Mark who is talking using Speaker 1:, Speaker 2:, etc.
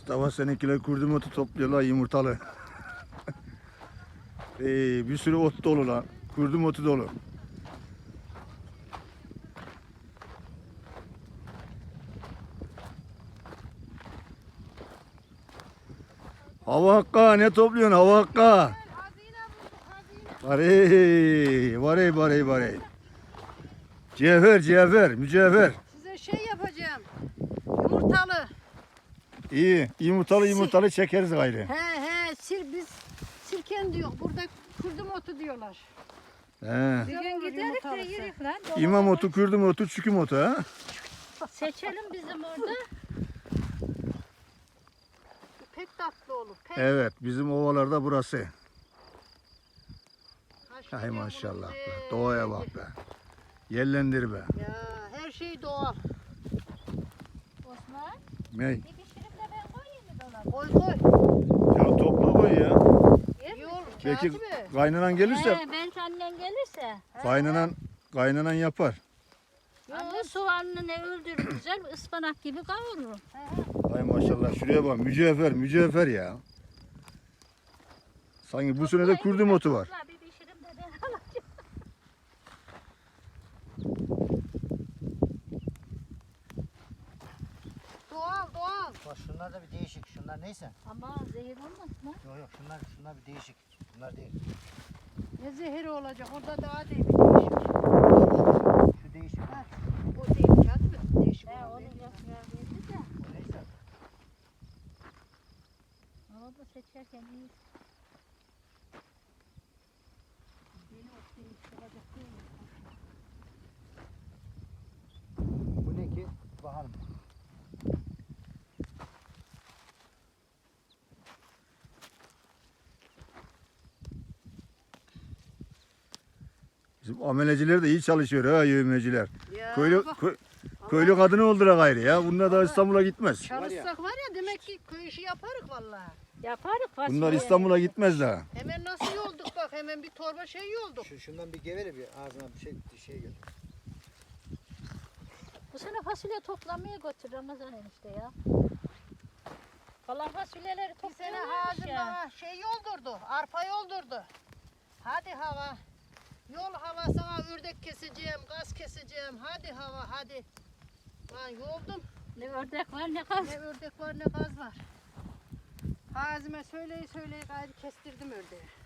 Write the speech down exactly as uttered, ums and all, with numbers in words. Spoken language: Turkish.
Speaker 1: Mustafa seninkiler kurdum otu topluyorlar yumurtalı. ee, bir sürü ot dolu lan. Kurdum otu dolu. Hava hakka ne topluyorsun hava hakka? Varey, varey, varey, varey. Cevher, cevher, mücevher.
Speaker 2: Size şey yapacağım. Yumurtalı.
Speaker 1: İyi, yumurtalı yumurtalı çekeriz gayrı.
Speaker 2: He he, sir biz sirken diyor. Burada kurdum otu diyorlar.
Speaker 1: He.
Speaker 2: Bir gün giderik de yürük lan.
Speaker 1: İmam otu, kurdum otu, çüküm otu ha.
Speaker 3: Seçelim bizim orada.
Speaker 2: Pek tatlı olur. Pek.
Speaker 1: Evet, bizim ovalarda burası.
Speaker 2: Haşlı
Speaker 1: Hay
Speaker 2: yavrum
Speaker 1: maşallah
Speaker 2: be.
Speaker 1: be. Doğaya bak be. Yerlendir be.
Speaker 2: Ya her şey doğal.
Speaker 3: Osman,
Speaker 1: Ney?
Speaker 3: bir pişirip de ben koyayım mı dolaba?
Speaker 2: Koy koy.
Speaker 1: Ya topla koy ya.
Speaker 3: Yer
Speaker 2: İyi
Speaker 3: misin?
Speaker 2: olur.
Speaker 1: Belki
Speaker 2: Katibi.
Speaker 1: kaynanan gelirse,
Speaker 3: He, belki annen gelirse.
Speaker 1: kaynanan, kaynanan yapar.
Speaker 3: Anne soğanını ne öldürür güzel ıspanak gibi kavurur.
Speaker 1: Hay maşallah şuraya bak mücevher, mücevher ya. Sanki bu sene de kurdum otu var.
Speaker 3: Topla, bir pişirim de ben alacağım.
Speaker 2: Doğal doğal.
Speaker 4: Bak şunlar da bir değişik. Şunlar neyse.
Speaker 3: Ama zehir olmaz mı?
Speaker 4: Yok yok şunlar şunlar bir değişik. Bunlar değil.
Speaker 2: Ne zehri olacak? Orada daha değil. Değişik.
Speaker 4: Şu değişik.
Speaker 2: Ha, o değil katibi. Değişik
Speaker 3: He
Speaker 2: olan
Speaker 3: onun
Speaker 2: değil.
Speaker 3: yaprağı belli de.
Speaker 4: O neyse.
Speaker 3: Ama da seçerken iyi.
Speaker 2: Yeni ot değil, çıkacak değil mi?
Speaker 4: Bu ne ki? Bakalım.
Speaker 1: Bizim ameleciler de iyi çalışıyor ha yövmeciler.
Speaker 2: Ya
Speaker 1: Köylü,
Speaker 2: bak,
Speaker 1: kö- köylü kadını oldura gayrı ya. Bunlar da İstanbul'a gitmez.
Speaker 2: çalışsak var ya demek ki köy işi yaparız vallahi.
Speaker 3: Yaparız fasulye.
Speaker 1: Bunlar İstanbul'a gitmez daha.
Speaker 2: Hemen nasıl yolduk bak hemen bir torba şey yolduk.
Speaker 4: Şu, şundan bir gevele bir ağzına bir şey bir şey gel.
Speaker 3: Bu sene fasulye toplamaya götür Ramazan enişte ya. Kalan fasulyeleri
Speaker 2: Bir sene
Speaker 3: topluyorlarmış
Speaker 2: Hazım
Speaker 3: ya.
Speaker 2: bana şey yoldurdu, arpa yoldurdu. Hadi hava, yol hava sana ördek keseceğim, gaz keseceğim, hadi hava hadi. Lan yoldum,
Speaker 3: Ne ördek var ne kaz.
Speaker 2: ne ördek var ne gaz var. Hazime söyleyi söyleyi gayrı kestirdim ördeği.